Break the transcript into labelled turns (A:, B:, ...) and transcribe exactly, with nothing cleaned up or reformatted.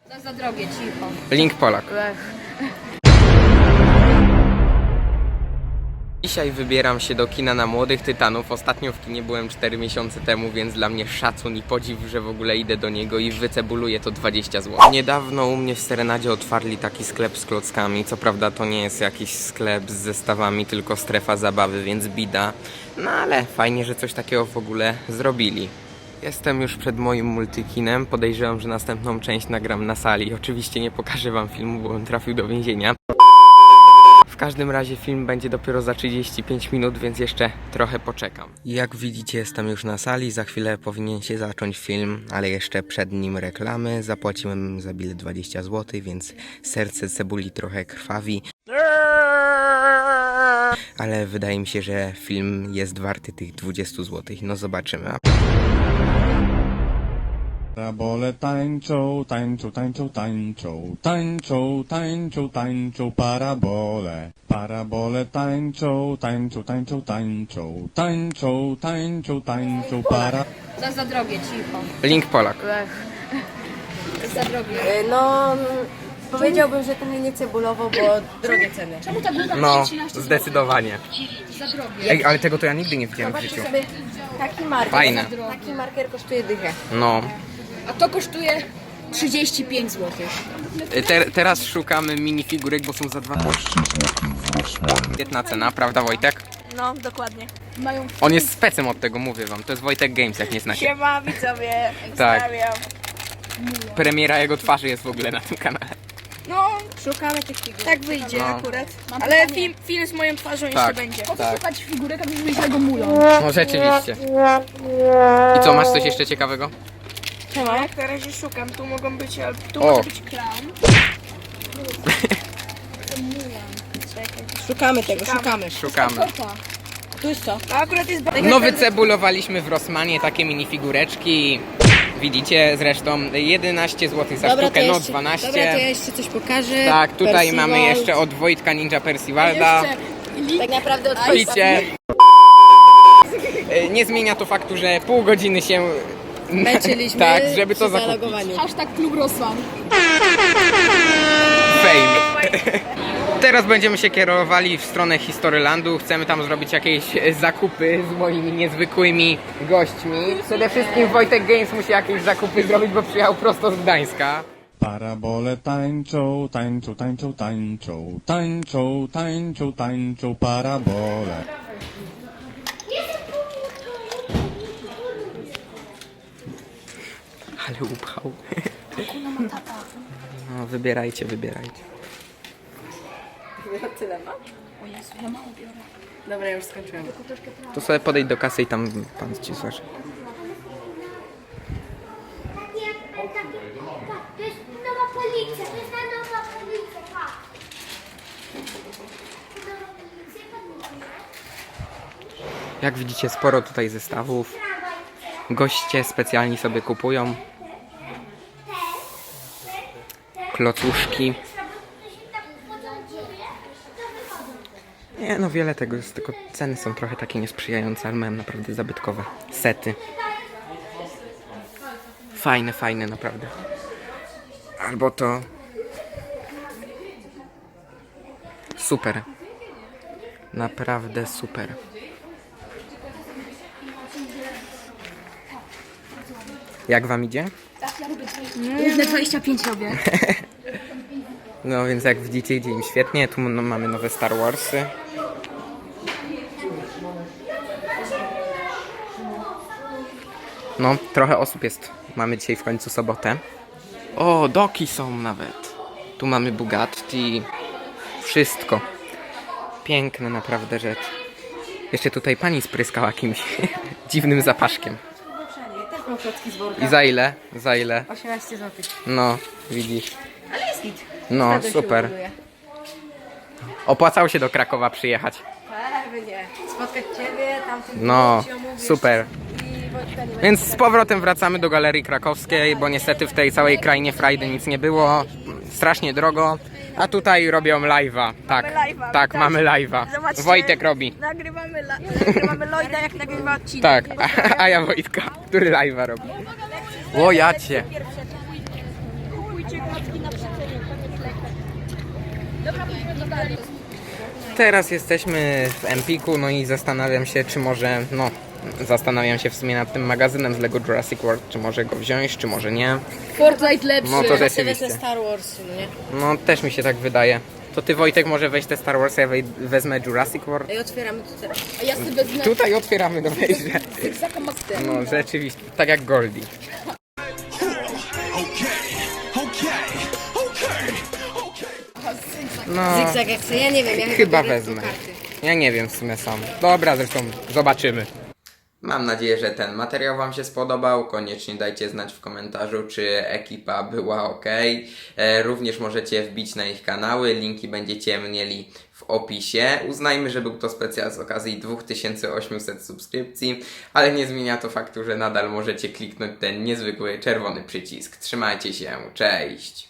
A: To za drogie, cicho.
B: Link Polak.
A: Lech.
B: Dzisiaj wybieram się do kina na Młodych Tytanów. Ostatnio w kinie byłem cztery miesiące temu, więc dla mnie szacun i podziw, że w ogóle idę do niego i wycebuluję to dwadzieścia złotych. Niedawno u mnie w Serenadzie otwarli taki sklep z klockami. Co prawda to nie jest jakiś sklep z zestawami, tylko strefa zabawy, więc bida. No ale fajnie, że coś takiego w ogóle zrobili. Jestem już przed moim multikinem. Podejrzewam, że następną część nagram na sali. Oczywiście nie pokażę wam filmu, bo on trafił do więzienia. W każdym razie film będzie dopiero za trzydzieści pięć minut, więc jeszcze trochę poczekam. Jak widzicie, jestem już na sali, za chwilę powinien się zacząć film, ale jeszcze przed nim reklamy. Zapłaciłem za bilet dwadzieścia złotych, więc serce cebuli trochę krwawi. Ale wydaje mi się, że film jest warty tych dwudziestu złotych. No zobaczymy.
C: Parabole tańczą, tańczą, tańczą, tańczą, tańczą, tańczą, tańczą, parabole. Parabole tańczą, tańczą, tańczą, tańczą, tańczą, tańczą, tańczą, para...
A: To za drogie, cicho.
B: Link Polak.
A: Lech. To za drogie.
D: No, powiedziałbym, że to mnie nie cebulowo, bo drogie ceny.
A: Czemu ta gluta
B: No,
A: trzynaście
B: zdecydowanie.
A: Za drogie.
B: Ej, ale tego to ja nigdy nie widziałem w
D: Zobaczcie
B: życiu.
D: sobie, taki marker,
B: Fajne.
D: taki marker kosztuje dychę.
B: No.
A: A to kosztuje trzydzieści pięć złotych.
B: Te, teraz szukamy minifigurek, bo są za dwanaście złotych. Świetna cena, prawda Wojtek?
D: No, dokładnie.
A: Mają
B: On jest specem od tego, mówię wam. To jest Wojtek Games, jak nie znacie.
D: Siema widzowie,
B: Tak.
D: pozdrawiam.
B: Premiera jego twarzy jest w ogóle na tym kanale.
D: No, szukamy tych figur. Tak wyjdzie
B: No.
D: akurat.
A: Mam
D: Ale
A: pytanie.
D: film, film z moją twarzą
B: Tak.
D: jeszcze będzie.
A: Po co
B: Tak.
A: szukać figurek, a nie źle go mulą?
B: No rzeczywiście. I co, masz coś jeszcze ciekawego?
D: Siema. Jak na razie szukam, tu mogą być, ale tu
B: O.
D: może być clown. Szukamy tego, szukamy.
B: Szukamy.
A: Kopa.
D: Tu jest co? To akurat jest...
B: No wycebulowaliśmy w Rossmanie takie minifigureczki. Widzicie zresztą jedenaście złotych za
D: Dobra, to
B: sztukę, no
D: jeszcze, dobra, to ja
B: dwanaście.
D: jeszcze coś pokażę.
B: Tak, tutaj
D: Percival.
B: mamy jeszcze od Wojtka Ninja Percivalda.
D: Tak naprawdę od
B: Picie. Nie zmienia to faktu, że pół godziny się...
D: Męczyliśmy
B: Tak, żeby to
D: przy
B: zakupić.
D: zalogowaniu.
A: Hashtag Klub Rosman.
B: Fame. Teraz będziemy się kierowali w stronę Historylandu. Chcemy tam zrobić jakieś zakupy z moimi niezwykłymi gośćmi. Przede wszystkim Wojtek Games musi jakieś zakupy zrobić, bo przyjechał prosto z Gdańska.
C: Parabole tańczą, tańczą, tańczą, tańczą, tańczą, tańczą, tańczą, parabole.
B: Ale upał. No wybierajcie, wybierajcie.
D: Tyle ma?
A: O Jezu, ja mało biorę.
D: Dobra, ja już skończyłem.
B: To sobie podejdź do kasy i tam pan ci zważy.
E: Nie, taki, patrz, to jest nowa policja, to jest ta nowa policja, patrz. Nowa policja, patrz.
B: Jak widzicie, sporo tutaj zestawów. Goście specjalni sobie kupują. Klocuszki. Nie no, wiele tego jest, tylko ceny są trochę takie niesprzyjające, ale mają naprawdę zabytkowe sety. Fajne, fajne naprawdę. Albo to... Super. Naprawdę super. Jak wam idzie?
A: Równe dwadzieścia pięć robię.
B: No więc jak widzicie, idzie im świetnie. Tu no, mamy nowe Star Warsy. No, trochę osób jest. Mamy dzisiaj w końcu sobotę. O, doki są nawet. Tu mamy Bugatti. Wszystko. Piękne naprawdę rzecz. Jeszcze tutaj pani spryskała jakimś dziwnym zapaszkiem.
D: Też mam klocki z worka.
B: I za ile? Za ile?
D: osiemnaście złotych.
B: No, widzisz.
D: Ale jest git.
B: No,
D: Naprawdę się
B: super.
D: ładuje.
B: Opłacało się do Krakowa przyjechać.
D: Pewnie. Spotkać ciebie, tamtym
B: No,
D: ci omówisz
B: super.
D: i Wojtka nie
B: Więc
D: będzie.
B: z powrotem wracamy do Galerii Krakowskiej, bo niestety w tej całej krainie frajdy nic nie było. Strasznie drogo. A tutaj robią live'a. Tak,
D: live'a,
B: tak,
D: widać.
B: mamy live'a.
D: Zobaczcie.
B: Wojtek robi.
D: Nagrywamy, la- nagrywamy Lloyda, jak nagrywa odcinek.
B: Tak, a, a ja Wojtka, który live'a robi. O, jacie. Teraz jesteśmy w Empiku, no i zastanawiam się, czy może, no, zastanawiam się w sumie nad tym magazynem z Lego Jurassic World, czy może go wziąć, czy może nie.
A: Fortnite lepszy.
B: No to
D: Ja sobie
B: rzeczywiście.
D: wezmę Star Wars, nie?
B: No też mi się tak wydaje. To ty, Wojtek, może weź te Star Wars, ja wej- wezmę Jurassic World.
D: I otwieramy to teraz.
A: A ja sobie wezmę
B: Tutaj otwieramy do wejścia.
A: Zygzaka Mastera.
B: No rzeczywiście, tak jak Goldie. No,
D: Zygzak jak chcę, ja nie wiem, ja
B: chyba
D: biorę
B: wezmę.
D: tylko karty.
B: Ja nie wiem w sumie sam. Dobra, zresztą zobaczymy. Mam nadzieję, że ten materiał Wam się spodobał. Koniecznie dajcie znać w komentarzu, czy ekipa była ok. E, również możecie wbić na ich kanały. Linki będziecie mieli w opisie. Uznajmy, że był to specjal z okazji dwa tysiące osiemset subskrypcji, ale nie zmienia to faktu, że nadal możecie kliknąć ten niezwykły czerwony przycisk. Trzymajcie się, cześć!